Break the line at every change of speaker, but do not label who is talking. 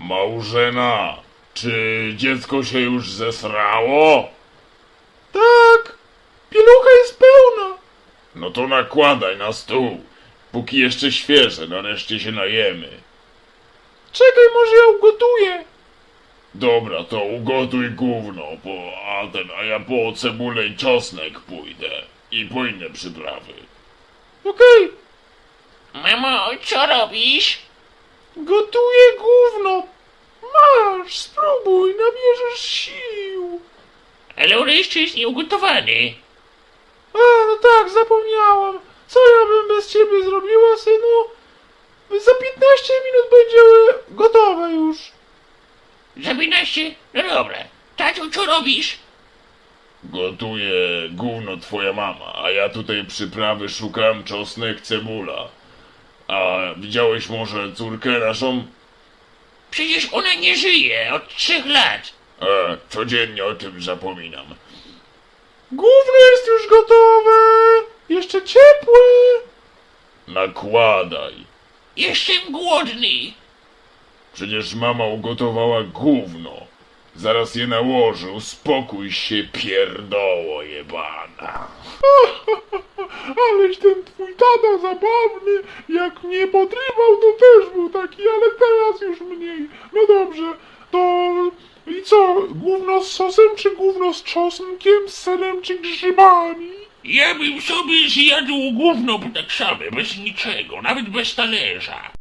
Małżena, czy dziecko się już zesrało?
Tak, pielucha jest pełna.
No to nakładaj na stół, póki jeszcze świeże, nareszcie się najemy.
Czekaj, może ja ugotuję.
Dobra, to ugotuj gówno, a ja po cebulę i czosnek pójdę. I po inne przyprawy.
Okej,
Mamo, co robisz?
gotuję gówno. Masz, spróbuj, nabierzesz sił.
Ale on jeszcze jest nieugotowany.
A, no tak, zapomniałam. Co ja bym bez ciebie zrobiła, synu? Za 15 minut będzie gotowe już.
Za 15? No dobra. Tato, co robisz?
Gotuje gówno twoja mama, a ja tutaj przyprawy szukam, czosnek, cebula. A widziałeś może córkę naszą?
Przecież ona nie żyje od 3 lat.
Codziennie o tym zapominam.
Gówno jest już gotowe. Jeszcze ciepłe.
Nakładaj.
Jestem głodny.
Przecież mama ugotowała gówno. Zaraz je nałożę, uspokój się, pierdoło jebana.
Aleś ten twój tata zabawny. Jak mnie podrywał, to też był taki, ale teraz już mniej. No dobrze, to... I co? Gówno z sosem, czy gówno z czosnkiem, z serem, czy grzybami?
Ja bym sobie zjadł gówno tak same, bez niczego, nawet bez talerza.